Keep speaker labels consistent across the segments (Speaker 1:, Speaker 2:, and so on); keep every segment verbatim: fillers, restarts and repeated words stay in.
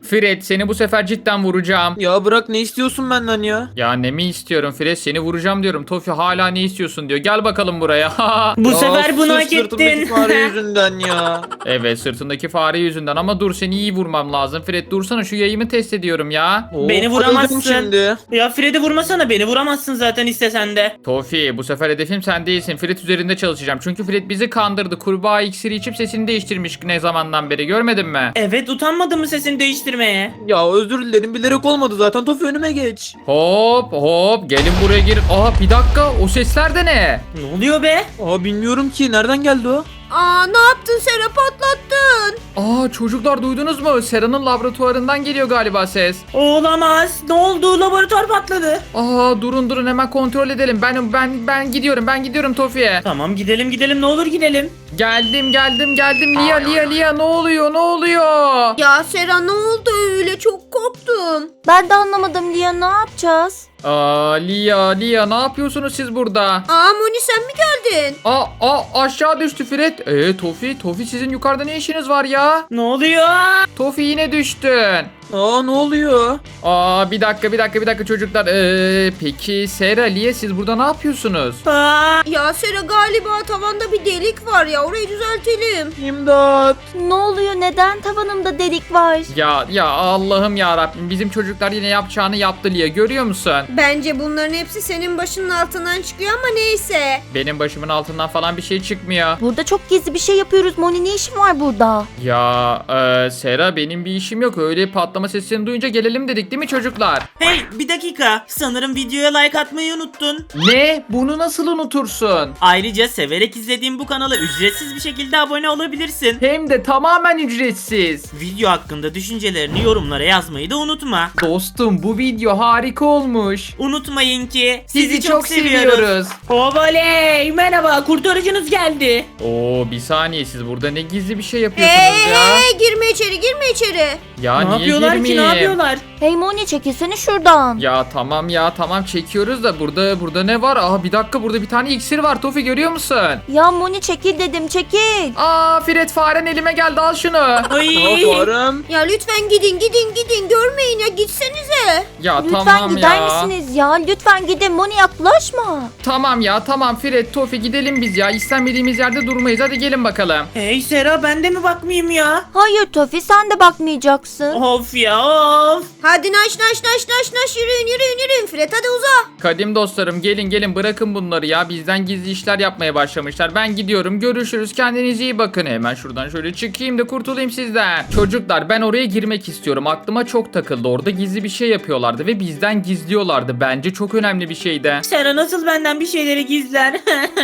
Speaker 1: Fred seni bu sefer cidden vuracağım.
Speaker 2: Ya bırak, ne istiyorsun benden ya?
Speaker 1: Ya ne mi istiyorum Fred, seni vuracağım diyorum. Tofi hala ne istiyorsun diyor. Gel bakalım buraya.
Speaker 3: Bu
Speaker 2: Ya
Speaker 3: sefer bunu
Speaker 2: sırf
Speaker 3: hak
Speaker 2: sırtımdaki
Speaker 3: ettin.
Speaker 2: fare yüzünden ya.
Speaker 1: Evet, sırtındaki fare yüzünden ama dur, seni iyi vurmam lazım. Fred dursana, şu yayımı test ediyorum ya.
Speaker 2: Oo,
Speaker 3: Beni
Speaker 2: öldüm
Speaker 3: vuramazsın.
Speaker 2: şimdi.
Speaker 3: Ya Fred'i vurmasana, beni vuramazsın zaten istesen de.
Speaker 1: Tofi bu sefer hedefim sen değilsin. Fred üzerinde çalışacağım. Çünkü Fred bizi kandırdı. Kurbağa iksiri içip sesini değiştirmiş ne zamandan beri, görmedin mi?
Speaker 3: Evet, utanmadın mı sesini değiştirmeye?
Speaker 2: Ya özür dilerim, bilerek olmadı zaten. Tofi önüme geç.
Speaker 1: Hop hop gelin buraya gir. Aa bir dakika, o sesler de ne?
Speaker 3: Ne oluyor be?
Speaker 2: Aa bilmiyorum ki, nereden geldi o?
Speaker 4: Aa ne yaptın Sera, patlattın.
Speaker 1: Aa çocuklar duydunuz mu? Sera'nın laboratuvarından geliyor galiba ses.
Speaker 3: Olamaz. Ne oldu? Laboratuvar patladı.
Speaker 1: Aa durun durun, hemen kontrol edelim. Ben ben ben gidiyorum. Ben gidiyorum Tofi'ye.
Speaker 3: Tamam, gidelim gidelim, ne olur gidelim.
Speaker 1: Geldim geldim geldim. Lia Lia Lia, ne oluyor? Ne oluyor?
Speaker 4: Ya Sera ne oldu öyle, çok korktum.
Speaker 5: Ben de anlamadım Lia, ne yapacağız?
Speaker 1: Aa Lia Lia, ne yapıyorsunuz siz burada?
Speaker 4: Aa Moni sen mi geldin?
Speaker 1: Aa, aa aşağı düştü Fred. Ee Tofi, Tofi sizin yukarıda ne işiniz var ya?
Speaker 3: Ne oluyor?
Speaker 1: Tofi yine düştün.
Speaker 2: Aa ne oluyor?
Speaker 1: Aa bir dakika bir dakika bir dakika çocuklar. Ee, peki Sera, Lia siz burada ne yapıyorsunuz?
Speaker 3: Aa,
Speaker 4: Ya Sera galiba tavanda bir delik var ya, orayı düzeltelim.
Speaker 2: İmdat.
Speaker 5: Ne oluyor, neden tavanımda delik var?
Speaker 1: Ya ya Allah'ım ya Rabbim, bizim çocuklar yine yapacağını yaptı Lia, görüyor musun?
Speaker 4: Bence bunların hepsi senin başının altından çıkıyor ama neyse.
Speaker 1: Benim başımın altından falan bir şey çıkmıyor.
Speaker 5: Burada çok gizli bir şey yapıyoruz. Moni, ne işin var burada?
Speaker 1: Ya e, Sera, benim bir işim yok. Öyle patlama sesini duyunca gelelim dedik değil mi çocuklar?
Speaker 3: hey bir dakika. Sanırım videoya like atmayı unuttun.
Speaker 1: Ne? Bunu nasıl unutursun?
Speaker 3: Ayrıca severek izlediğim bu kanala ücretsiz bir şekilde abone olabilirsin.
Speaker 1: Hem de tamamen ücretsiz.
Speaker 3: Video hakkında düşüncelerini yorumlara yazmayı da unutma.
Speaker 1: Dostum bu video harika olmuş.
Speaker 3: Unutmayın ki
Speaker 1: Sizi, çok, seviyoruz.
Speaker 3: Obaley, merhaba, kurtarıcınız geldi.
Speaker 1: Oo bir saniye, siz burada ne gizli bir şey yapıyorsunuz
Speaker 4: Hey
Speaker 1: ya?
Speaker 4: hey girme içeri, girme içeri.
Speaker 1: Ya
Speaker 3: ne
Speaker 1: niye
Speaker 3: yapıyorlar ki, ne
Speaker 1: girmeyeyim?
Speaker 3: yapıyorlar?
Speaker 5: Hey Moni, çekilsene şuradan.
Speaker 1: Ya tamam ya tamam, çekiyoruz da burada burada ne var? Aa bir dakika, burada bir tane iksir var Tofi, görüyor musun?
Speaker 5: Ya Moni, çekil dedim, çekil.
Speaker 1: Aa Fred, faren elime geldi, al şunu.
Speaker 3: Ay.
Speaker 2: Aa farem.
Speaker 4: Ya lütfen gidin gidin gidin, görmeyin ya, gitsenize.
Speaker 1: Ya
Speaker 5: Lütfen
Speaker 1: tamam
Speaker 5: gider
Speaker 1: ya.
Speaker 5: misiniz ya? Lütfen gidin, Moni yaklaşma.
Speaker 1: Tamam ya tamam Fred, Tofi gidelim biz ya. İstenmediğimiz yerde durmayız, hadi gelin bakalım.
Speaker 3: Hey Sera, ben de mi bakmayayım ya?
Speaker 5: Hayır Tofi, sen de bakmayacaksın.
Speaker 3: Of ya of.
Speaker 4: Hadi naş naş naş naş naş, yürüyün yürüyün yürüyün Fred, hadi uza.
Speaker 1: Kadim dostlarım, gelin gelin, bırakın bunları ya. Bizden gizli işler yapmaya başlamışlar. Ben gidiyorum, görüşürüz, kendinize iyi bakın. Hemen şuradan şöyle çıkayım da kurtulayım sizden. Çocuklar, ben oraya girmek istiyorum. Aklıma çok takıldı. Orada gizli bir şey yapıyorlardı ve bizden gizliyorlardı. Bence çok önemli bir şeydi.
Speaker 3: Sera nasıl benden bir şeyleri gizler?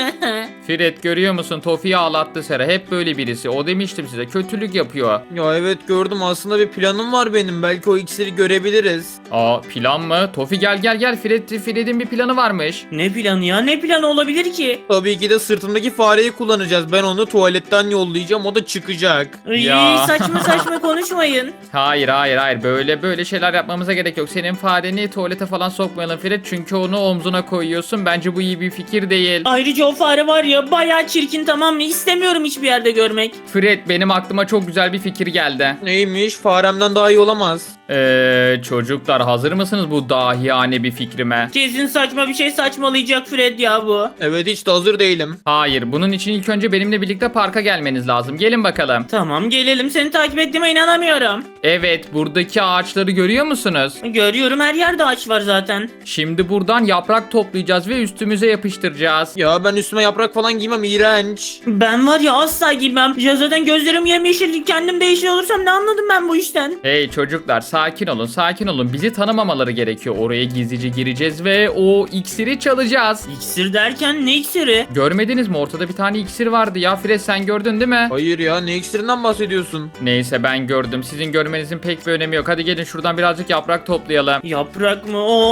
Speaker 1: Fred, görüyor musun? Tofi'yi ağlattı Sera. Hep böyle birisi. O demiştim size, kötülük yapıyor.
Speaker 2: Ya evet gördüm, aslında bir planım var benim. Belki o iksiri görebiliriz.
Speaker 1: Aa plan mı? Tofi gel gel gel. Fred, Fred'in bir planı varmış.
Speaker 3: Ne planı ya? Ne planı olabilir ki?
Speaker 2: Tabii ki de sırtımdaki fareyi kullanacağız. Ben onu tuvaletten yollayacağım, o da çıkacak.
Speaker 3: Ay,
Speaker 1: Ya.
Speaker 3: saçma saçma konuşmayın.
Speaker 1: Hayır hayır hayır, böyle böyle şeyler yapmamıza gerek yok. Senin fareni tuvalete falan sokmayalım Fred, çünkü onu omzuna koyuyorsun. Bence bu iyi bir fikir değil.
Speaker 3: Ayrıca o fare var ya, bayağı çirkin, tamam mı? İstemiyorum hiçbir yerde görmek.
Speaker 1: Fred, benim aklıma çok güzel bir fikir geldi.
Speaker 2: Neymiş? Faremden daha iyi olamaz.
Speaker 1: Eee çocuklar, hazır mısınız bu dahiyane bir fikrime?
Speaker 3: Kesin saçma bir şey saçmalayacak Fred ya bu.
Speaker 2: Evet, hiç de hazır değilim.
Speaker 1: Hayır, bunun için ilk önce benimle birlikte parka gelmeniz lazım. Gelin bakalım.
Speaker 3: Tamam, gelelim, seni takip ettiğime inanamıyorum.
Speaker 1: Evet, buradaki ağaçları görüyor musunuz?
Speaker 3: Görüyorum, her yerde ağaç var zaten.
Speaker 1: Şimdi buradan yaprak toplayacağız ve üstümüze yapıştıracağız.
Speaker 2: Ya ben üstüme yaprak falan giymem, iğrenç.
Speaker 3: Ben var ya asla giymem. Ya zaten gözlerim yemyeşil, kendim de yeşil olursam ne anladım ben bu işten?
Speaker 1: Hey çocuklar, sakin olun sakin olun. Bizi tanımamaları gerekiyor. Oraya gizlice gireceğiz ve o iksiri çalacağız.
Speaker 3: İksir derken ne iksiri?
Speaker 1: Görmediniz mi? Ortada bir tane iksir vardı ya. Fred, sen gördün değil mi?
Speaker 2: Hayır ya, ne iksirinden bahsediyorsun?
Speaker 1: Neyse, ben gördüm. Sizin görmenizin pek bir önemi yok. Hadi gelin şuradan birazcık yaprak toplayalım.
Speaker 3: Yaprak mı? Oo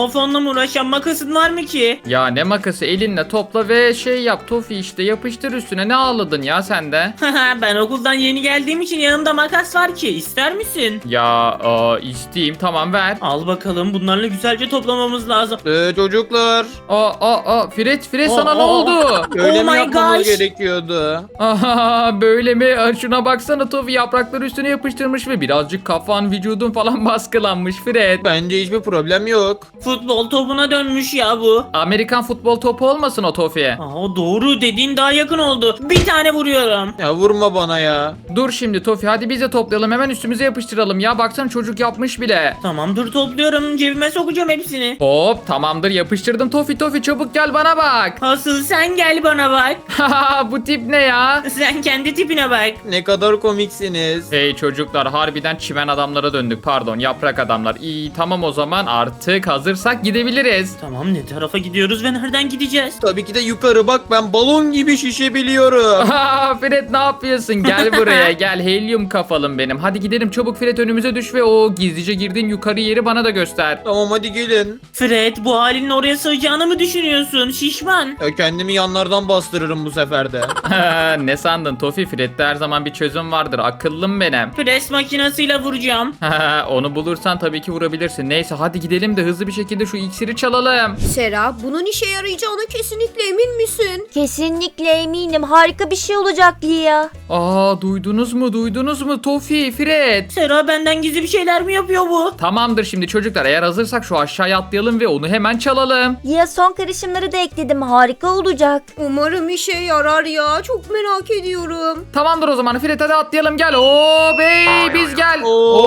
Speaker 3: Of, onunla mı uğraşacağım? Makasın var mı ki?
Speaker 1: Ya ne makası, elinle topla ve şey yap Tofi, işte yapıştır üstüne. Ne ağladın ya sen de?
Speaker 3: Ben okuldan yeni geldiğim için yanımda makas var ki. İster misin?
Speaker 1: Ya aa, isteyeyim, tamam ver.
Speaker 3: Al bakalım, bunlarla güzelce toplamamız lazım.
Speaker 2: Ee, çocuklar.
Speaker 1: Aa aa aa Fred Fred
Speaker 3: Aa,
Speaker 1: sana ne
Speaker 3: aa,
Speaker 1: oldu?
Speaker 2: Öyle
Speaker 3: Oh
Speaker 2: mi
Speaker 3: my
Speaker 2: yapmamız
Speaker 3: gosh.
Speaker 2: gerekiyordu?
Speaker 1: Aha, böyle mi? Aa, şuna baksana Tofi, yaprakları üstüne yapıştırmış ve birazcık kafan, vücudun falan baskılanmış Fred.
Speaker 2: Bence hiçbir problem yok.
Speaker 3: Futbol topuna dönmüş ya bu.
Speaker 1: Amerikan futbol topu olmasın o Tofi?
Speaker 3: Aa, doğru, dediğin daha yakın oldu. Bir tane vuruyorum.
Speaker 2: Ya vurma bana ya.
Speaker 1: Dur şimdi Tofi, hadi biz de toplayalım, hemen üstümüze yapıştıralım ya, baksana çocuk yapmış bile.
Speaker 3: Tamam, dur topluyorum, cebime sokacağım hepsini.
Speaker 1: Hop, tamamdır, yapıştırdım. Tofi Tofi çabuk gel bana bak.
Speaker 3: Asıl sen gel bana bak.
Speaker 1: Haha, bu tip ne ya?
Speaker 3: Sen kendi tipine bak.
Speaker 2: Ne kadar komiksiniz.
Speaker 1: Hey çocuklar, harbiden çimen adamlara döndük, pardon yaprak adamlar. İyi tamam, o zaman artık hazırsak gidebiliriz.
Speaker 3: Tamam, ne tarafa gidiyoruz ve nereden gideceğiz?
Speaker 2: Tabii ki de yukarı bak, ben balon gibi şişebiliyorum.
Speaker 1: Aha, Fred ne yapıyorsun? Gel buraya gel, helyum kafalım benim. Hadi gidelim çabuk Fred, önümüze düş ve o gizlice girdiğin yukarı yeri bana da göster.
Speaker 2: Tamam hadi gelin.
Speaker 3: Fred, bu halinin oraya sığacağını mı düşünüyorsun? Şişman.
Speaker 2: Ya kendimi yanlardan bastırırım bu sefer de.
Speaker 1: Ne sandın Tofi? Fred'de her zaman bir çözüm vardır, akıllım benim.
Speaker 3: Pres makinesiyle vuracağım.
Speaker 1: Onu bulursan tabii ki vurabilirsin. Neyse hadi gidelim de hızlı bir şekilde şu iksiri çalalım.
Speaker 4: Sera, bunun işe yarayacağına kesinlikle emin misin?
Speaker 5: Kesinlikle eminim. Harika bir şey olacak Lia.
Speaker 1: Aa, duydunuz mu duydunuz mu Tofi, Fred?
Speaker 3: Sera, benden gizli bir şeyler mi yapıyor bu?
Speaker 1: Tamamdır şimdi çocuklar, eğer hazırsak şu aşağıya atlayalım ve onu hemen çalalım.
Speaker 5: Lia, son karışımları da ekledim. Harika olacak.
Speaker 4: Umarım işe yarar ya. Çok merak ediyorum.
Speaker 1: Tamamdır o zaman Fred, hadi atlayalım, gel. Hop hey, biz gel.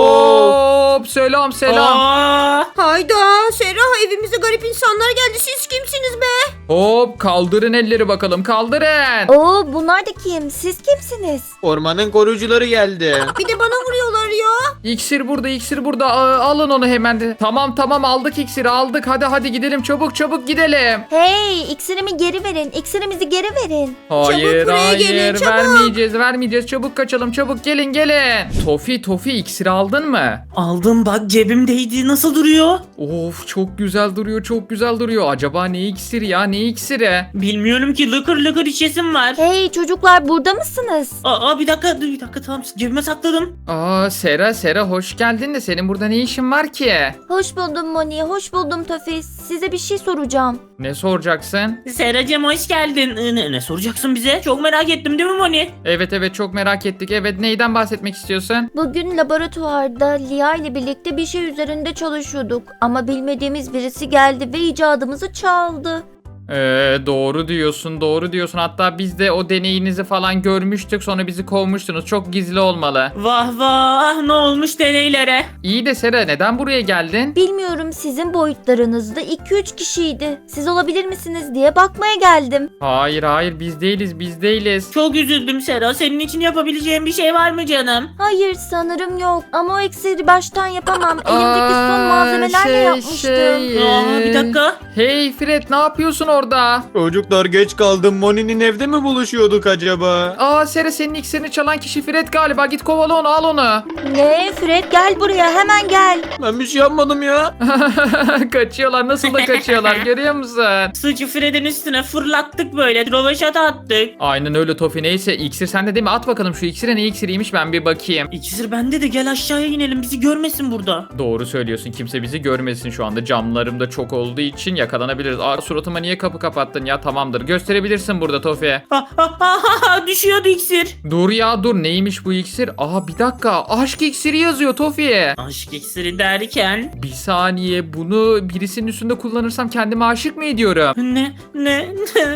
Speaker 2: Oo.
Speaker 1: Hop selam selam.
Speaker 3: Aa,
Speaker 4: Hayda, Sera, evimize garip insanlar geldi. Siz kimsiniz be?
Speaker 1: Hop kaldırın elleri bakalım, kaldırın.
Speaker 5: Oo, bunlar da kim? Siz kimsiniz?
Speaker 2: Ormanın koruyucuları geldi.
Speaker 4: Bir de bana vuruyorlar ya.
Speaker 1: İksir burada, iksir burada. Aa, alın onu hemen de. Tamam tamam, aldık iksiri aldık. Hadi hadi gidelim, çabuk çabuk gidelim.
Speaker 5: Hey, iksirimi geri verin. İksirimizi geri verin.
Speaker 1: Hayır
Speaker 4: buraya
Speaker 1: hayır,
Speaker 4: gelin, çabuk.
Speaker 1: vermeyeceğiz vermeyeceğiz. Çabuk kaçalım, çabuk gelin gelin. Tofi Tofi, iksiri aldın mı?
Speaker 3: aldım bak, cebimdeydi. Nasıl duruyor?
Speaker 1: Of çok güzel duruyor, çok güzel duruyor. Acaba ne iksiri ya, ne iksiri?
Speaker 3: Bilmiyorum ki, lıkır lıkır içesim var.
Speaker 5: Hey çocuklar, burada mısınız?
Speaker 3: Aa, bir dakika, dur bir dakika, tamam, cebime sakladım.
Speaker 1: Aa Sera Sera, hoş geldin de senin burada ne işin var ki?
Speaker 5: Hoş buldum Moni, hoş buldum Tofi. Size bir şey soracağım.
Speaker 1: Ne soracaksın?
Speaker 3: Seracığım, hoş geldin. Ee, Ne, ne soracaksın bize? Çok merak ettim, değil mi Moni?
Speaker 1: Evet evet, çok merak ettik. Evet, neyden bahsetmek istiyorsun?
Speaker 5: Bugün laboratuvarda Lia ile birlikte bir şey üzerinde çalışıyorduk. Ama bilmediğimiz birisi geldi ve icadımızı çaldı.
Speaker 1: Ee, doğru diyorsun doğru diyorsun. Hatta biz de o deneyinizi falan görmüştük, sonra bizi kovmuştunuz. Çok gizli olmalı.
Speaker 3: Vah vah, ne olmuş deneylere?
Speaker 1: İyi de Sera, neden buraya geldin?
Speaker 5: Bilmiyorum, sizin boyutlarınızda iki üç kişiydi. Siz olabilir misiniz diye bakmaya geldim.
Speaker 1: Hayır hayır, biz değiliz biz değiliz.
Speaker 3: Çok üzüldüm Sera. Senin için yapabileceğim bir şey var mı canım?
Speaker 5: Hayır, sanırım yok. Ama o iksiri baştan yapamam. Elimdeki son
Speaker 1: Aa,
Speaker 5: malzemelerle
Speaker 1: şey,
Speaker 5: yapmıştım.
Speaker 1: şey,
Speaker 3: Aa, bir
Speaker 1: ee,
Speaker 3: dakika.
Speaker 1: Hey Fred, ne yapıyorsun orada?
Speaker 2: Çocuklar geç kaldım. Moni'nin evde mi buluşuyorduk acaba?
Speaker 1: Aa Sera, senin iksirini çalan kişi Fred galiba. Git kovala onu, al onu.
Speaker 5: Ne? Fred, gel buraya, hemen gel.
Speaker 2: Ben bir şey yapmadım ya.
Speaker 1: Kaçıyorlar, nasıl da kaçıyorlar, görüyor musun?
Speaker 3: Suçu Fred'in üstüne fırlattık böyle. Rovaşata attık.
Speaker 1: Aynen öyle Tofi. Neyse, iksir sende değil mi? At bakalım şu iksire, ne iksiriymiş, ben bir bakayım.
Speaker 3: İkisir bende de, gel aşağıya inelim. Bizi görmesin burada.
Speaker 1: Doğru söylüyorsun, kimse bizi görmesin şu anda. Camlarım da çok olduğu için yakalanabiliriz. Aa, suratıma niye kapı kapattın ya? Tamamdır, gösterebilirsin burada Tofi.
Speaker 3: Ha, ha, ha, ha, düşüyordu iksir.
Speaker 1: Dur ya dur, neymiş bu iksir? Aha bir dakika, aşk iksiri yazıyor Tofi.
Speaker 3: Aşk iksiri derken?
Speaker 1: Bir saniye, bunu birisinin üstünde kullanırsam kendime aşık mı ediyorum?
Speaker 3: Ne? Ne?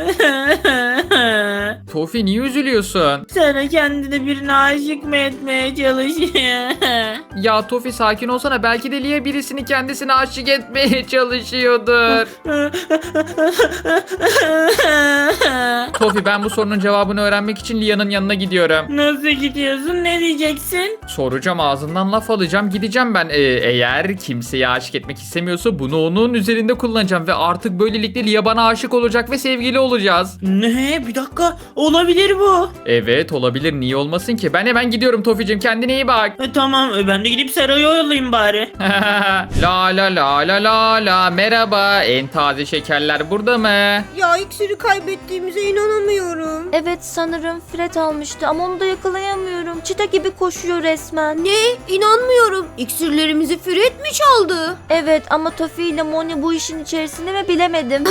Speaker 1: Tofi niye üzülüyorsun?
Speaker 3: Sana kendine birine aşık mı etmeye çalışıyor?
Speaker 1: Ya Tofi sakin olsana, belki de Lia birisini kendisine aşık etmeye çalışıyordur. Tofi ben bu sorunun cevabını öğrenmek için Lia'nın yanına gidiyorum.
Speaker 3: Nasıl gidiyorsun? Ne diyeceksin?
Speaker 1: Soracağım, ağzından laf alacağım, gideceğim ben. Ee, eğer kimseye aşık etmek istemiyorsa bunu onun üzerinde kullanacağım ve artık böylelikle Lia bana aşık olacak ve sevgili olacağız.
Speaker 3: Ne? Bir dakika. Olabilir bu.
Speaker 1: Evet olabilir, niye olmasın ki? Ben hemen gidiyorum Tofi'cim, kendine iyi bak.
Speaker 3: E, tamam. E, ben de gidip Sera'yı oyalayayım bari.
Speaker 1: La la la la la la, merhaba, en taze şekerler burada mı?
Speaker 4: Ya iksiri kaybettiğimize inanamıyorum.
Speaker 5: Evet sanırım Fred almıştı ama onu da yakalayamıyorum. Çita gibi koşuyor resmen.
Speaker 4: Ne? İnanmıyorum. İksirlerimizi Fred mi çaldı?
Speaker 5: Evet ama Tofi ile Moni bu işin içerisinde mi bilemedim.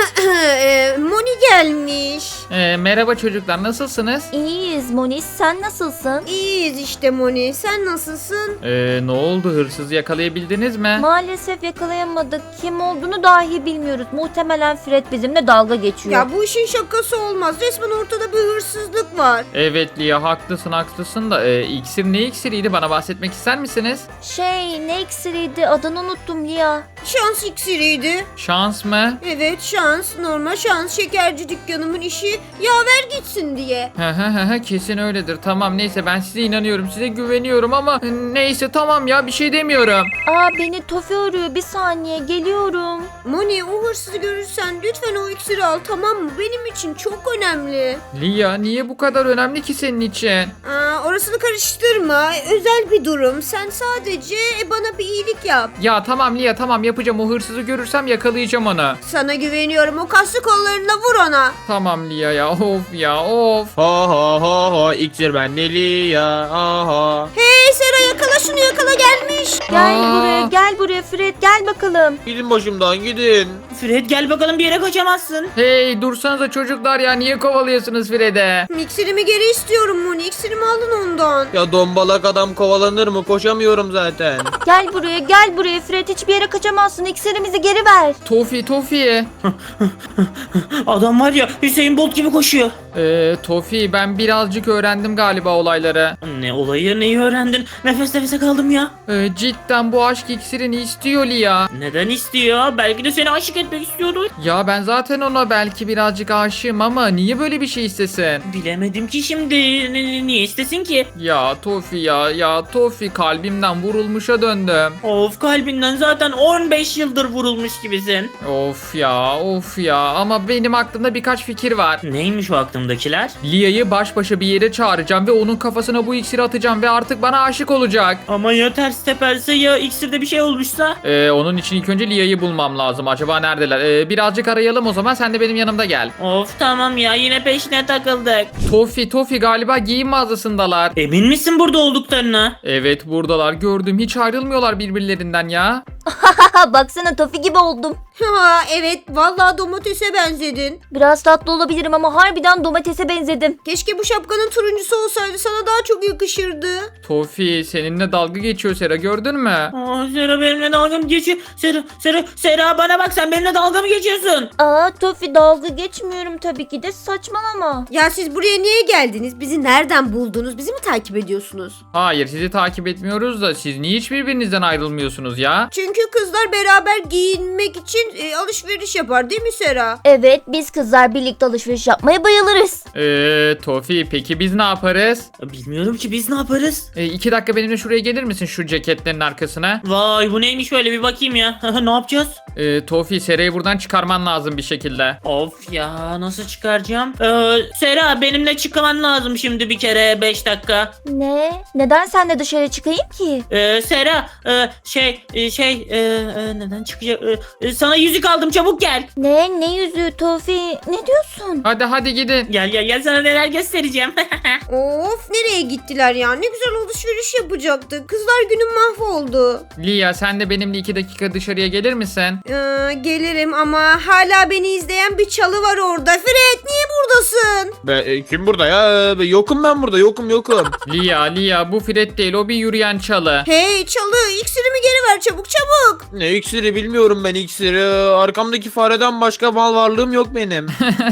Speaker 4: e, Moni gelmiş.
Speaker 1: Ee, merhaba çocuklar, nasılsınız?
Speaker 5: İyiyiz Moni, sen nasılsın?
Speaker 4: İyiyiz işte Moni. Sen nasılsın?
Speaker 1: Ee, ne oldu, hırsızı yakalayabildiniz mi?
Speaker 5: Maalesef yakalayamadık. Kim olduğunu dahi bilmiyoruz. Muhtemelen Fred bizimle dalga geçiyor.
Speaker 4: Ya bu işin şakası olmaz. Resmen ortada bir hırsızlık var.
Speaker 1: Evet Lia, haklısın haklısın da e, iksir ne iksiriydi, bana bahsetmek ister misiniz?
Speaker 5: Şey ne iksiriydi, adını unuttum Lia.
Speaker 4: Şans iksiriydi.
Speaker 1: Şans mı?
Speaker 4: Evet şans. Normal şans. Şekerci dükkanımın işi yaver gitsin diye.
Speaker 1: Hı hı hı hı, kesin öyledir. Tamam neyse, ben size inanıyorum, size güveniyorum ama e, neyse tamam ya, bir şey demiyorum.
Speaker 5: Aa beni Tofi arıyor, bir saniye geliyorum.
Speaker 4: Moni o hırsızı görürsen lütfen o iksiri al, tamam mı? Benim için çok önemli.
Speaker 1: Lia niye bu kadar önemli ki senin için?
Speaker 4: Aa, orasını karıştırma. Özel bir durum. Sen sadece bana bir iyilik yap.
Speaker 1: Ya tamam Lia tamam, yapacağım, o hırsızı görürsem yakalayacağım onu.
Speaker 4: Sana güveniyorum. O kaslı kollarına vur ona.
Speaker 1: Tamam Lia ya, of ya of.
Speaker 2: Ha ha ha ha, iksir bende Lia. Aha.
Speaker 4: Hey Sera, yakala şunu, yakala, gelmiş.
Speaker 5: Gel
Speaker 1: Aa.
Speaker 5: buraya, gel buraya Fred, gel bakalım.
Speaker 2: Gidin başımdan gidin.
Speaker 3: Fred gel bakalım, bir yere kaçamazsın.
Speaker 1: Hey dursanıza çocuklar ya, niye kovalıyorsunuz Fred'e?
Speaker 4: İksirimi geri istiyorum Moni. İksirimi alın ondan.
Speaker 2: Ya dombalak adam kovalanır mı? Koşamıyorum zaten.
Speaker 5: Gel buraya, gel buraya Fred, hiçbir yere kaçamazsın. İksirimizi geri ver.
Speaker 1: Tofi Tofi.
Speaker 3: Adam var ya, Hüseyin Bolt gibi koşuyor.
Speaker 1: Ee, Tofi ben birazcık öğrendim galiba olayları.
Speaker 3: Ne olayı, neyi öğrendin? Nefes nefese kaldım ya.
Speaker 1: Ee, cidden bu aşk iksirini istiyor Lia.
Speaker 3: Neden istiyor? Belki de seni aşık etmek istiyordu.
Speaker 1: Ya ben zaten ona belki birazcık aşığım ama niye böyle bir şey istesin?
Speaker 3: Bilemedim ki şimdi. N- n- niye istesin ki?
Speaker 1: Ya Tofi ya ya Tofi, kalbimden vurulmuşa döndüm.
Speaker 3: Of, kalbinden zaten on beş yıldır vurulmuş gibisin.
Speaker 1: Of ya of ya, ama benim aklımda birkaç fikir var.
Speaker 3: Neymiş o aklımdakiler?
Speaker 1: Lia'yı baş başa bir yere çağıracağım ve onun kafasına bu iksiri atacağım ve artık bana aşık olacak.
Speaker 3: Ama ya ters teperse, ya iksirde bir şey olmuşsa?
Speaker 1: Ee, onun için ilk önce Lia'yı bulmam lazım. Acaba neredeler? Ee, birazcık arayalım o zaman, sen de benim yanımda gel.
Speaker 3: Of tamam ya, yine peşine takıldık.
Speaker 1: Tofi Tofi galiba giyim mağazasındalar.
Speaker 3: Emin misin burada olduklarına?
Speaker 1: Evet buradalar, gördüm, hiç ayrılmıyorlar birbirlerinden ya.
Speaker 5: Haha baksana Tofi gibi oldum.
Speaker 4: Ha evet, vallahi domatese benzedin.
Speaker 5: Biraz tatlı olabilirim ama harbiden domatese benzedim.
Speaker 4: Keşke bu şapkanın turuncusu olsaydı, sana daha çok yakışırdı.
Speaker 1: Tofi seninle dalga geçiyor Sera, gördün mü?
Speaker 3: Aa, Sera benimle dalga mı geçiyor? Sera, Sera, Sera bana bak, sen benimle dalga mı geçiyorsun?
Speaker 5: Aa Tofi dalga geçmiyorum tabii ki de, saçmalama.
Speaker 4: Ya siz buraya niye geldiniz? Bizi nereden buldunuz? Bizi mi takip ediyorsunuz?
Speaker 1: Hayır, sizi takip etmiyoruz da siz niye hiç birbirinizden ayrılmıyorsunuz ya?
Speaker 4: Çünkü kızlar beraber giyinmek için e, alışveriş yapar değil mi Sera?
Speaker 5: Evet biz kızlar birlikte alışveriş yapmaya bayılırız.
Speaker 1: Eee Tofi peki biz ne yaparız?
Speaker 3: Bilmiyorum ki, biz ne yaparız?
Speaker 1: Ee, iki dakika benimle şuraya gelir misin, şu ceketlerin arkasına?
Speaker 3: Vay, bu neymiş böyle, bir bakayım ya. Ne yapacağız?
Speaker 1: Ee, Tofi Sera'yı buradan çıkarman lazım bir şekilde.
Speaker 3: Of ya, nasıl çıkaracağım? Ee, Sera benimle çıkman lazım şimdi bir kere, beş dakika.
Speaker 5: Ne? Neden sen de dışarı çıkayım ki?
Speaker 3: Ee, Sera e, şey e, şey e, e, neden çıkacak? E, e, sana yüzük aldım, çabuk gel.
Speaker 5: Ne? Ne yüzüğü Tofi? Ne diyorsun?
Speaker 1: Hadi hadi gidin.
Speaker 3: Gel gel gel, sana neler göstereceğim.
Speaker 4: Of, nereye gittiler ya? Ne güzel alışveriş yapacaktık. Kızlar günüm mahvoldu.
Speaker 1: Lia sen de benimle iki dakika dışarıya gelir misin?
Speaker 4: Ee, gelirim ama hala beni izleyen bir çalı var orada. Fred niye buradasın?
Speaker 2: Be, e, kim burada ya? Be, yokum ben burada, yokum yokum.
Speaker 1: Lia Lia bu Fred değil, o bir yürüyen çalı.
Speaker 4: Hey çalı, iksirimi geri ver çabuk çabuk. yok.
Speaker 2: Ne iksiri bilmiyorum ben iksiri. Arkamdaki fareden başka mal varlığım yok benim.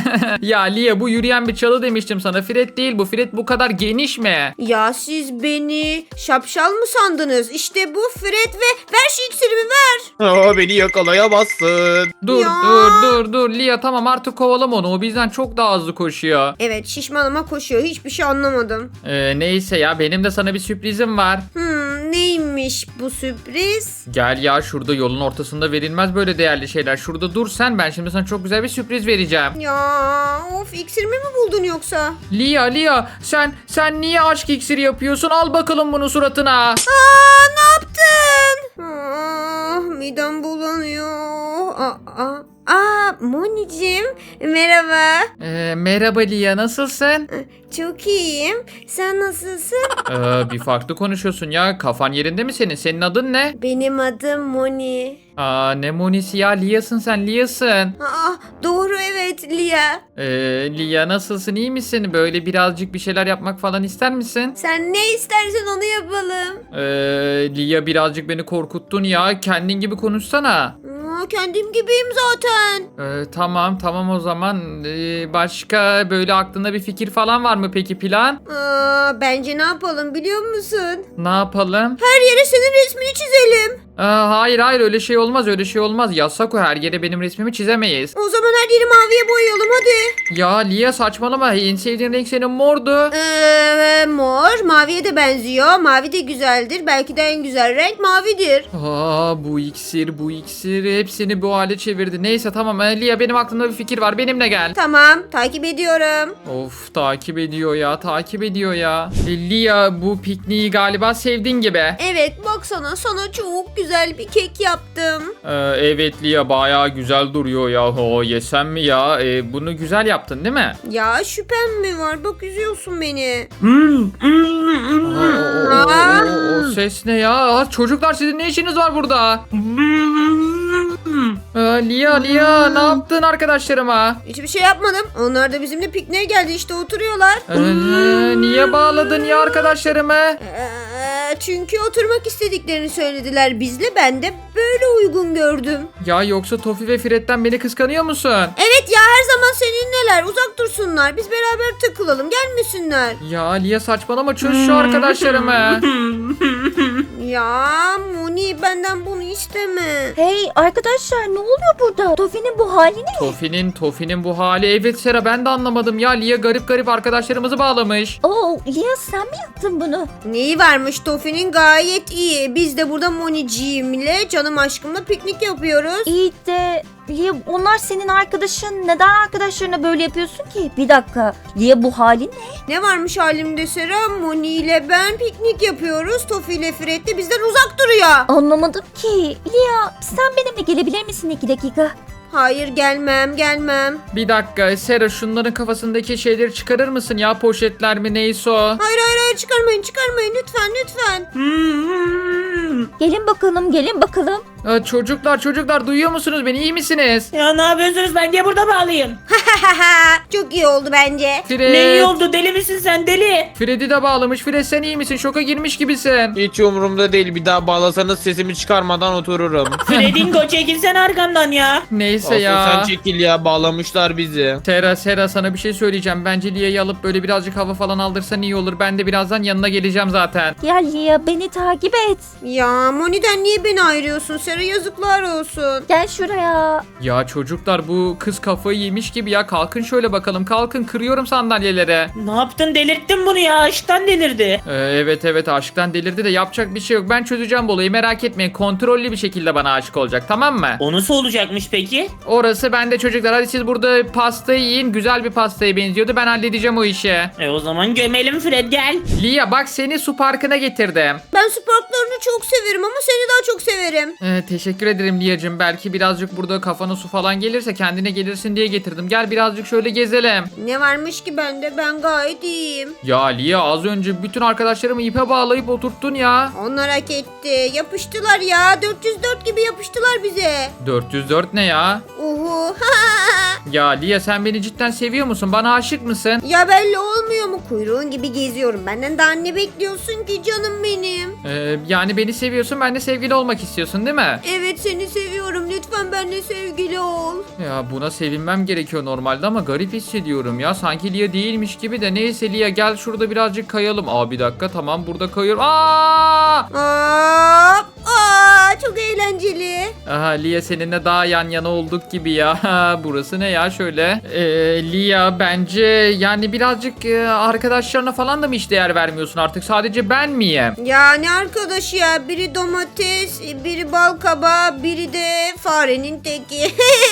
Speaker 1: Ya Lia bu yürüyen bir çalı demiştim sana. Fred değil bu. Fred bu kadar geniş mi?
Speaker 4: Ya siz beni şapşal mı sandınız? İşte bu Fred ve ver şu iksirimi ver.
Speaker 2: Aa, beni yakalayamazsın.
Speaker 1: Dur
Speaker 4: Ya.
Speaker 1: dur dur dur Lia tamam artık kovalama onu. O bizden çok daha hızlı koşuyor.
Speaker 4: Evet şişmanıma koşuyor. Hiçbir şey anlamadım.
Speaker 1: Ee, neyse ya benim de sana bir sürprizim var.
Speaker 4: Hmm, neymiş bu sürpriz?
Speaker 1: Gel ya şurada yolun ortasında verilmez böyle değerli şeyler. Şurada dur sen ben şimdi sana çok güzel bir sürpriz vereceğim.
Speaker 4: Ya of iksirimi mi buldun yoksa?
Speaker 1: Lia Lia sen sen niye aşk iksiri yapıyorsun? Al bakalım bunu suratına.
Speaker 4: Aa ne yaptın? Ah, midem bulanıyor. Aa, aa, aa Monicim merhaba.
Speaker 1: Ee, merhaba Lia nasılsın?
Speaker 4: Çok iyiyim. Sen nasılsın?
Speaker 1: Ee, bir farklı konuşuyorsun ya. Kafan yerinde mi senin? Senin adın ne?
Speaker 4: Benim adım Moni.
Speaker 1: Aa ne Monisi ya Lia'sın sen Lia'sın.
Speaker 4: Aa, doğru evet Lia.
Speaker 1: Ee, Lia nasılsın iyi misin? Böyle birazcık bir şeyler yapmak falan ister misin?
Speaker 4: Sen ne istersen onu yapalım.
Speaker 1: Ee, Lia birazcık beni korkuttun ya. Kendin gibi konuşsana.
Speaker 4: Aa, kendim gibiyim zaten.
Speaker 1: Ee, tamam tamam o zaman. Ee, başka böyle aklında bir fikir falan var mı peki plan?
Speaker 4: Aa, bence ne yapalım biliyor musun?
Speaker 1: Ne yapalım?
Speaker 4: Her yere senin resmini çizelim.
Speaker 1: Aa, hayır hayır öyle şey olmaz öyle şey olmaz. Yasak o her yere benim resmimi çizemeyiz.
Speaker 4: O zaman her yeri maviye boyayalım hadi.
Speaker 1: Ya Lia saçmalama. En sevdiğin renk senin mordu.
Speaker 4: Ee, mor maviye de benziyor. Mavi de güzeldir. Belki de en güzel renk mavidir.
Speaker 1: Aa bu iksir bu iksir hepsini bu hale çevirdi. Neyse tamam ee, Lia benim aklımda bir fikir var. Benimle gel.
Speaker 4: Tamam takip ediyorum.
Speaker 1: Of takip ediyor ya takip ediyor ya. E, Lia bu pikniği galiba sevdin gibi.
Speaker 4: Evet baksana sana çok güzel bir kek yaptım.
Speaker 1: Ee, evet Lia bayağı güzel duruyor ya. O yesem mi ya? Ee, bunu güzel yaptın değil mi?
Speaker 4: Ya şüphem mi var? Bak üzüyorsun beni.
Speaker 3: Hmm, hmm, hmm.
Speaker 1: O, o- o- o- o ses ne ya? Aa, çocuklar sizin ne işiniz var burada? Ee, Lia Lia ne yaptın arkadaşlarıma?
Speaker 4: Hiçbir şey yapmadım. Onlar da bizimle pikniğe geldi işte oturuyorlar.
Speaker 1: Ee, niye bağladın ya arkadaşlarımı?
Speaker 4: Ee, çünkü oturmak istediklerini söylediler bizle. Ben de böyle uygun gördüm.
Speaker 1: Ya yoksa Tofi ve Fred'den beni kıskanıyor musun?
Speaker 4: Evet ya her zaman seninleler. Uzak dursunlar. Biz beraber takılalım. Gelmesinler.
Speaker 1: Ya Lia saçmalama çöz şu arkadaşlarımı.
Speaker 4: Ya Moni benden bunu isteme.
Speaker 5: Hey arkadaşlar ne oluyor burada? Tofi'nin bu hali ne?
Speaker 1: Tofi'nin Tofi'nin bu hali evet Sera ben de anlamadım ya Lia garip garip arkadaşlarımızı bağlamış.
Speaker 5: Oo Lia sen mi yaptın bunu?
Speaker 4: Neyi varmış Tofi'nin gayet iyi. Biz de burada Moniciğimle canım aşkımla piknik yapıyoruz.
Speaker 5: İyi de Lia onlar senin arkadaşın. Neden arkadaşlarına böyle yapıyorsun ki? Bir dakika. Lia bu halin ne?
Speaker 4: Ne varmış halimde Sera? Moni ile ben piknik yapıyoruz. Tofi ile Fred de bizden uzak duruyor.
Speaker 5: Anlamadım ki. Lia sen benimle gelebilir misin iki dakika?
Speaker 4: Hayır gelmem gelmem.
Speaker 1: Bir dakika Sera şunların kafasındaki şeyleri çıkarır mısın ya poşetler mi neyse o.
Speaker 4: Hayır hayır hayır çıkarmayın çıkarmayın lütfen lütfen.
Speaker 5: Gelin bakalım gelin bakalım.
Speaker 1: Aa, çocuklar çocuklar duyuyor musunuz beni iyi misiniz?
Speaker 3: Ya ne yapıyorsunuz? Ben niye burada bağlıyım?
Speaker 4: Çok iyi oldu bence.
Speaker 1: Fred.
Speaker 3: Ne iyi oldu? Deli misin sen deli?
Speaker 1: Fred'i de bağlamış. Fred sen iyi misin? Şoka girmiş gibisin.
Speaker 2: Hiç umurumda değil. Bir daha bağlasanız sesimi çıkarmadan otururum.
Speaker 3: Fredingo çekilsen arkamdan ya.
Speaker 1: Neyse
Speaker 2: Asıl
Speaker 1: ya.
Speaker 2: sen çekil ya. Bağlamışlar bizi.
Speaker 1: Sera Sera sana bir şey söyleyeceğim. Bence Lia'yı alıp böyle birazcık hava falan aldırsan iyi olur. Ben de birazdan yanına geleceğim zaten.
Speaker 5: Gel Lia beni takip et.
Speaker 4: Ya Moni'den niye beni ayırıyorsun Sera yazıklar olsun.
Speaker 5: Gel şuraya.
Speaker 1: Ya çocuklar bu kız kafayı yemiş gibi ya. Kalkın şöyle bakalım. Kalkın kırıyorum sandalyelere.
Speaker 3: Ne yaptın? Delirttin bunu ya. Aşktan delirdi.
Speaker 1: Ee, evet evet aşktan delirdi de yapacak bir şey yok. Ben çözeceğim bu olayı merak etmeyin. Kontrollü bir şekilde bana aşık olacak tamam mı?
Speaker 3: O nasıl olacakmış peki?
Speaker 1: Orası bende çocuklar. Hadi siz burada pastayı yiyin. Güzel bir pastaya benziyordu. Ben halledeceğim o işi.
Speaker 3: E o zaman gömelim Fred gel.
Speaker 1: Lia bak seni su parkına getirdim.
Speaker 4: Ben su parklarını çok severim ama seni daha çok severim.
Speaker 1: Ee, teşekkür ederim Lia'cığım. Belki birazcık burada kafana su falan gelirse kendine gelirsin diye getirdim. Gel birazcık şöyle gezelim.
Speaker 4: Ne varmış ki bende ben gayet iyiyim.
Speaker 1: Ya Lia az önce bütün arkadaşlarımı ipe bağlayıp oturttun ya.
Speaker 4: Onlar hak etti. Yapıştılar ya. dört yüz dört gibi yapıştılar bize.
Speaker 1: dört yüz dört ne ya?
Speaker 4: Uhu.
Speaker 1: Ya Lia sen beni cidden seviyor musun? Bana aşık mısın?
Speaker 4: Ya belli olmuyor mu? Kuyruğun gibi geziyorum. Benden daha ne bekliyorsun ki canım benim?
Speaker 1: Ee, yani beni seviyorsun, ben de sevgili olmak istiyorsun değil mi?
Speaker 4: Evet seni seviyorum. Lütfen benimle sevgili ol.
Speaker 1: Ya buna sevinmem gerekiyor normalde ama garip hissediyorum ya. Sanki Lia değilmiş gibi de. Neyse Lia gel şurada birazcık kayalım. Aa bir dakika tamam burada kayıyorum. Aa!
Speaker 4: Aa, aa, çok eğlenceli.
Speaker 1: Aha Lia seninle daha yan yana olduk gibi ya. Burası ne ya şöyle? Ee, Lia bence yani birazcık e, arkadaşlarına falan da mı hiç değer vermiyorsun artık? Sadece ben miyim?
Speaker 4: Ya ne arkadaşı ya? Biri domates, biri bal kabağı, biri de farenin teki.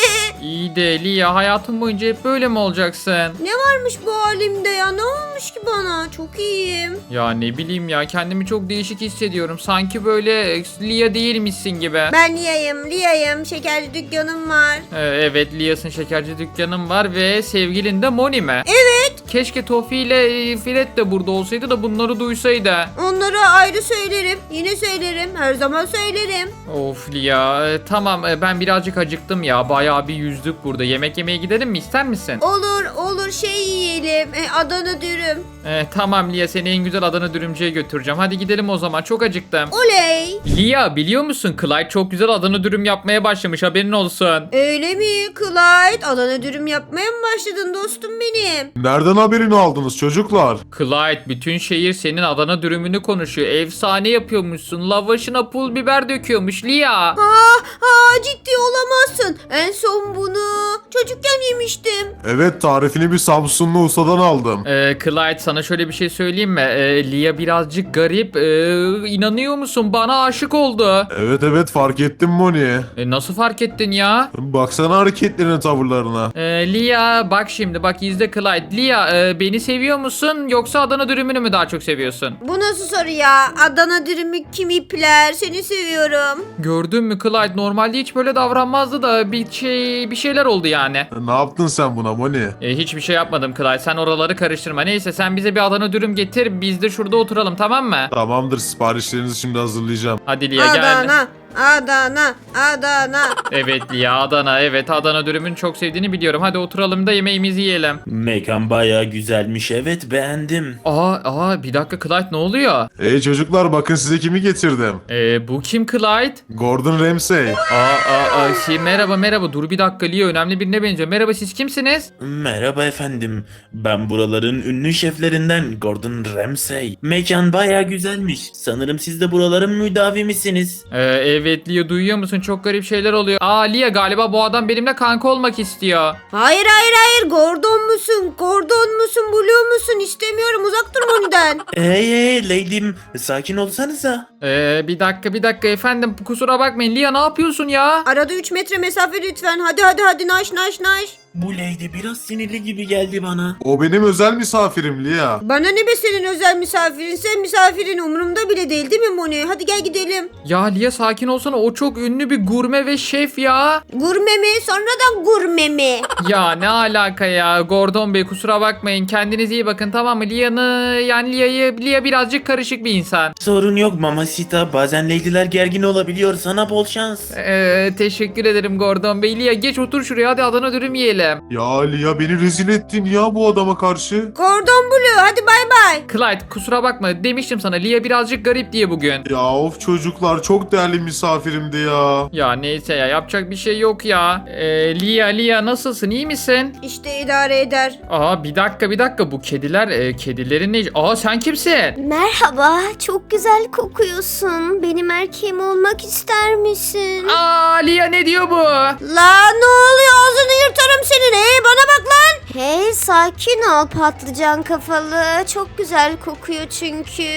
Speaker 1: İyi de Lia hayatın boyunca hep böyle mi olacaksın?
Speaker 4: Ne varmış bu halimde ya? Ne olmuş ki bana? Çok iyiyim.
Speaker 1: Ya ne bileyim ya kendimi çok değişik hissediyorum. Sanki böyle Lia değilmişsin gibi.
Speaker 4: Ben Lia'yım, Lia'yım. Şekerci dükkanım var.
Speaker 1: Ee, evet Lia'sın şekerci dükkanım var ve sevgilin de Moni mi?
Speaker 4: Evet.
Speaker 1: Keşke Tofi ile e, Fred de burada olsaydı da bunları duysaydı.
Speaker 4: Onlara ayrı söylerim. Yine söylerim. Her zaman söylerim.
Speaker 1: Of Lia e, tamam e, ben birazcık acıktım ya. Bayağı bir yüzdük burada. Yemek yemeye gidelim mi? İster misin?
Speaker 4: Olur, olur şey yiyelim. E, Adana dürüm.
Speaker 1: E, tamam Lia seni en güzel Adana dürümcüye götüreceğim. Hadi gidelim o zaman çok acıktım.
Speaker 4: Oley.
Speaker 1: Lia biliyor musun Clyde çok güzel Adana dürüm yapmaya başlamış haberin olsun.
Speaker 4: Öyle mi Clyde? Adana dürüm yapmaya mı başladın dostum benim?
Speaker 6: Nereden haberini aldınız çocuklar?
Speaker 1: Clyde bütün şehir senin Adana dürümünü konuşuyor. Efsane yapıyormuşsun. Lavaşına pul biber döküyormuş Lia.
Speaker 4: Aa, aa, ciddi olamazsın. En son bunu çocukken yemiştim.
Speaker 6: Evet, tarifini bir Samsunlu ustadan aldım.
Speaker 1: Ee, Clyde sana şöyle bir şey söyleyeyim mi? Ee, Lia birazcık garip. Ee, inanıyor musun? Bana aşık oldu.
Speaker 6: Evet evet, fark ettim Moni.
Speaker 1: Ee, nasıl fark ettin ya?
Speaker 6: Baksana hareketlerine, tavırlarına.
Speaker 1: Ee, Lia bak şimdi bak izle Clyde. Lia e, beni seviyor musun yoksa Adana dürümünü mü daha çok seviyorsun?
Speaker 4: Bu nasıl soru ya? Adana dürümü kim ipler? Seni seviyorum.
Speaker 1: Gördün mü Clyde? Normalde hiç böyle davranmazdı da bir şey bir şeyler oldu yani.
Speaker 6: Ne yaptın sen buna Moni?
Speaker 1: E, hiçbir şey yapmadım Clyde. Sen oraları karıştırma. Neyse sen bize bir Adana dürüm getir. Biz de şurada oturalım tamam mı?
Speaker 6: Tamamdır, siparişlerinizi şimdi hazırlayacağım.
Speaker 1: Hadi Lia gel.
Speaker 4: Adana, Adana, Adana.
Speaker 1: Evet Lia Adana. Evet Adana dürümünü çok sevdiğini biliyorum. Hadi oturalım da yemeğimizi yiyelim.
Speaker 7: Mekan bayağı güzelmiş, evet beğendim.
Speaker 1: Aa, aa bir dakika Clyde ne oluyor?
Speaker 6: Hey çocuklar, bakın size kimi getirdim.
Speaker 1: Ee, bu kim Clyde?
Speaker 6: Gordon Ramsay.
Speaker 1: Aa, aa, aa şey, merhaba merhaba dur bir dakika Lia önemli birine benziyor. Merhaba siz kimsiniz?
Speaker 7: Merhaba efendim, ben buraların ünlü şeflerinden Gordon Ramsay. Mekan bayağı güzelmiş, sanırım siz de buraların müdavimisiniz.
Speaker 1: Ee, evet Lia duyuyor musun? Çok garip şeyler oluyor. Aa Lia galiba bu adam benimle kanka olmak istiyor.
Speaker 4: Hayır hayır hayır. Gordon musun? Gordon musun? Blue musun? İstemiyorum. Uzak dur Moni'den.
Speaker 7: Hey hey lady'm, sakin olsanıza.
Speaker 1: Ee, bir dakika bir dakika efendim kusura bakmayın. Lia ne yapıyorsun ya?
Speaker 4: Arada üç metre mesafe lütfen. Hadi hadi hadi naş naş naş.
Speaker 7: Bu lady biraz sinirli gibi geldi bana.
Speaker 6: O benim özel misafirim Lia.
Speaker 4: Bana ne be senin özel misafirin? Sen misafirin umurumda bile değil değil mi Moni? Hadi gel gidelim.
Speaker 1: Ya Lia sakin olsana o çok ünlü bir gurme ve şef ya.
Speaker 4: Gurme mi? Sonradan gurme mi?
Speaker 1: Ya ne alaka ya Gordon Bey kusura bakmayın kendinize iyi bakın tamam mı? Lia'nı yani Lia'yı Lia birazcık karışık bir insan.
Speaker 7: Sorun yok Mamacita, bazen lady'ler gergin olabiliyor, sana bol şans.
Speaker 1: Ee, teşekkür ederim Gordon Bey. Lia geç otur şuraya hadi Adana dürüm yiyelim.
Speaker 6: Ya Lia, beni rezil ettin ya bu adama karşı.
Speaker 4: Gordon Blue hadi bay bay.
Speaker 1: Clyde kusura bakma demiştim sana Lia birazcık garip diye bugün.
Speaker 6: Ya of çocuklar, çok değerli misafirimdi ya.
Speaker 1: Ya neyse ya yapacak bir şey yok ya. Ee, Lia Lia nasılsın iyi misin?
Speaker 4: İşte idare eder.
Speaker 1: Aa bir dakika bir dakika bu kediler e, kedilerin ne? Aa sen kimsin?
Speaker 8: Merhaba, çok güzel kokuyorsun. Benim erkeğim olmak ister misin?
Speaker 1: Aa Lia ne diyor bu?
Speaker 4: La ne oluyor ağzını yırtarım senin. Hey bana bak lan.
Speaker 8: Hey, sakin ol patlıcan kafalı. Çok güzel kokuyor çünkü.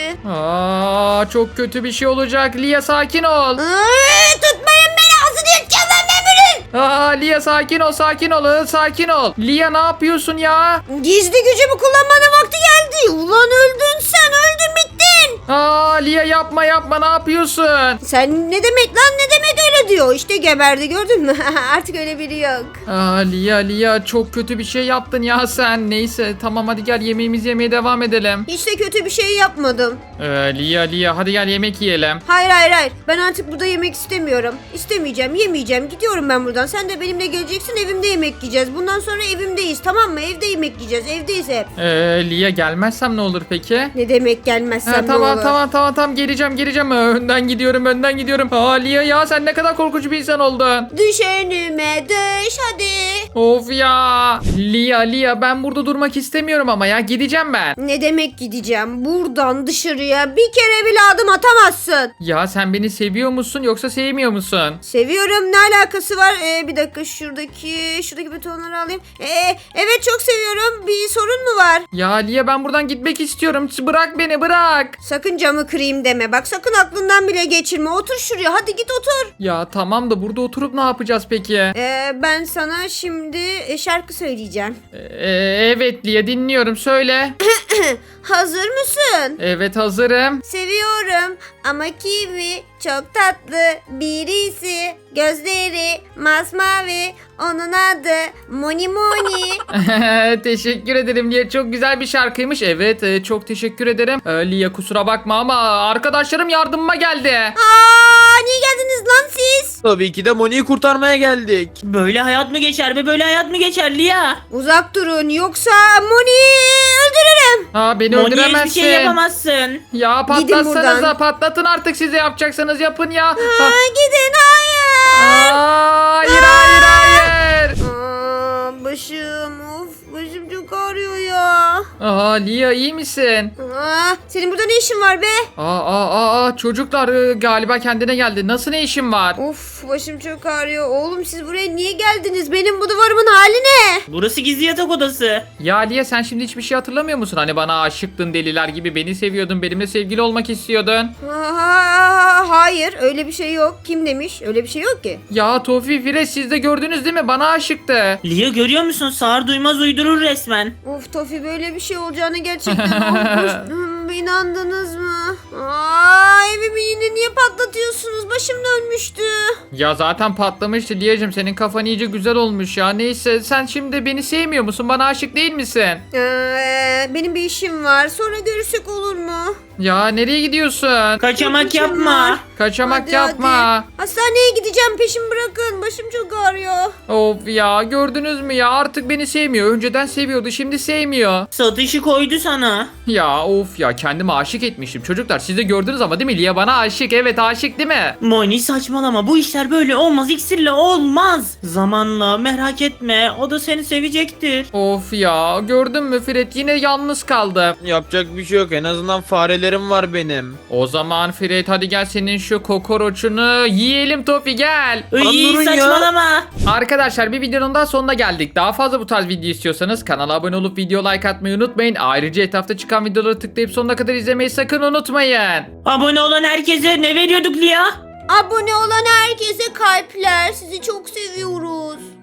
Speaker 1: Aa çok kötü bir şey olacak. Lia sakin ol.
Speaker 4: Iıı, tutmayın beni ağzını yırtacağım lan ben bunun.
Speaker 1: Aa Lia sakin ol sakin ol ıı, sakin ol. Lia ne yapıyorsun ya?
Speaker 4: Gizli gücümü kullanmanın vakti geldi. Ulan öldün sen öldün bittin.
Speaker 1: Aa Lia yapma yapma ne yapıyorsun?
Speaker 4: Sen ne demek lan ne demek öyle diyor. İşte geberdi gördün mü? Artık öyle biri yok.
Speaker 1: Aa Lia Lia çok kötü bir şey yaptın ya sen. Neyse tamam hadi gel yemeğimizi yemeye devam edelim.
Speaker 4: Hiç de kötü bir şey yapmadım.
Speaker 1: Ee, Lia Lia hadi gel yemek yiyelim.
Speaker 4: Hayır hayır hayır. Ben artık burada yemek istemiyorum. İstemeyeceğim, yemeyeceğim. Gidiyorum ben buradan. Sen de benimle geleceksin. Evimde yemek yiyeceğiz. Bundan sonra evimdeyiz. Tamam mı? Evde yemek yiyeceğiz. Evdeyiz hep.
Speaker 1: Ee, Lia gelmezsem ne olur peki?
Speaker 4: Ne demek gelmezsem
Speaker 1: Ha,
Speaker 4: ne
Speaker 1: tamam
Speaker 4: olur?
Speaker 1: tamam tamam tamam geleceğim geleceğim. Önden gidiyorum önden gidiyorum. Aa Lia ya sen ne kadar korkunç bir insan oldun.
Speaker 4: Düş önüme düş hadi.
Speaker 1: Of ya. Lia Lia ben burada durmak istemiyorum ama ya gideceğim ben.
Speaker 4: Ne demek gideceğim? Buradan dışarıya bir kere bile adım atamazsın.
Speaker 1: Ya sen beni seviyor musun yoksa sevmiyor musun?
Speaker 4: Seviyorum. Ne alakası var? Ee, bir dakika şuradaki şuradaki butonları alayım. Ee, evet çok seviyorum. Bir sorun mu var?
Speaker 1: Ya Lia ben buradan gitmek istiyorum. Bırak beni bırak.
Speaker 4: Sakın camı kırayım deme. Bak sakın aklından bile geçirme. Otur şuraya. Hadi git otur.
Speaker 1: Ya tamam da burada oturup ne yapacağız peki?
Speaker 4: Ee, ben sana şimdi e, şarkı söyleyeceğim.
Speaker 1: Ee, evet Lia dinliyorum söyle.
Speaker 4: Hazır mısın?
Speaker 1: Evet hazırım.
Speaker 4: Seviyorum ama kimi çok tatlı birisi. Gözleri masmavi. Onun adı Moni Moni.
Speaker 1: Teşekkür ederim Lia. Çok güzel bir şarkıymış. Evet e, çok teşekkür ederim. Ee, Lia kusura bakma ama arkadaşlarım yardımıma geldi.
Speaker 4: Aa, niye geldiniz lan siz?
Speaker 2: Tabii ki de Moni'yi kurtarmaya geldik.
Speaker 3: Böyle hayat mı geçer be? Böyle hayat mı geçer Lia?
Speaker 4: Uzak durun yoksa Moni'yi öldürürüm.
Speaker 1: Aa, beni
Speaker 3: Moni'ye
Speaker 1: öldüremezsin.
Speaker 3: hiçbir şey yapamazsın.
Speaker 1: Ya
Speaker 4: Gidin
Speaker 1: patlatsanıza
Speaker 4: buradan.
Speaker 1: patlatın artık size yapacaksanız yapın ya.
Speaker 4: Aa, gidin hayır.
Speaker 1: Aa, hayır hayır hayır.
Speaker 4: Aa, başım of başım çok ağrıyor ya.
Speaker 1: Aa Lia iyi misin?
Speaker 4: Aa, senin burada ne işin var be?
Speaker 1: Aa, aa, aa çocuklar e, galiba kendine geldi. Nasıl ne işin var?
Speaker 4: Of başım çok ağrıyor. Oğlum siz buraya niye geldiniz? Benim bu duvarımın hali ne?
Speaker 3: Burası gizli yatak odası.
Speaker 1: Ya Lia sen şimdi hiçbir şey hatırlamıyor musun? Hani bana aşıktın deliler gibi beni seviyordun. Benimle sevgili olmak istiyordun.
Speaker 4: Aa, hayır öyle bir şey yok. Kim demiş? Öyle bir şey yok ki.
Speaker 1: Ya Tofi Fires siz de gördünüz değil mi? Bana aşıktı.
Speaker 3: Lia görüyor musun? Sağır duymaz uydurur resmen.
Speaker 4: Of Tofi böyle bir şey olacağını gerçekten olmuş. Hmm, İnandınız mı? Aa, evimi yine niye patlatıyorsunuz? Başım dönmüştü.
Speaker 1: Ya zaten patlamıştı Lia'cığım. Senin kafan iyice güzel olmuş ya. Neyse sen şimdi beni sevmiyor musun? Bana aşık değil misin?
Speaker 4: Ee, benim bir işim var. Sonra görüşsek olur mu?
Speaker 1: Ya nereye gidiyorsun?
Speaker 3: Kaçamak
Speaker 4: İşim var.
Speaker 3: yapma.
Speaker 1: Kaçamak
Speaker 4: Hadi,
Speaker 1: yapma.
Speaker 4: hadi. Hastaneye gideceğim. Peşimi bırakın. Başım çok ağrıyor.
Speaker 1: Of ya gördünüz mü ya artık beni sevmiyor. Önceden seviyordu şimdi sevmiyor.
Speaker 3: Satışı koydu sana.
Speaker 1: Ya of ya kendime aşık etmiştim. Çocuklar siz de gördünüz ama değil mi? Lia bana aşık. Evet aşık değil mi?
Speaker 3: Moni saçmalama, bu işler böyle olmaz, iksirle olmaz. Zamanla, merak etme, o da seni sevecektir.
Speaker 1: Of ya gördün mü Fred yine yalnız kaldı.
Speaker 2: Yapacak bir şey yok. En azından farelerim var benim.
Speaker 1: O zaman Fred hadi gel senin şu kokoroçunu yiyelim Tofi gel.
Speaker 3: İyi
Speaker 2: durun ya.
Speaker 3: saçmalama.
Speaker 1: Arkadaşlar bir videonun daha sonuna geldik. Daha fazla bu tarz video istiyorsanız kanala abone olup video like atmayı unutmayın. Ayrıca etrafta çıkan videoları tıklayıp sonuna kadar izlemeyi sakın unutmayın.
Speaker 3: Abone olan herkese ne veriyorduk Lia?
Speaker 4: Abone olan herkese kalpler. Sizi çok seviyoruz.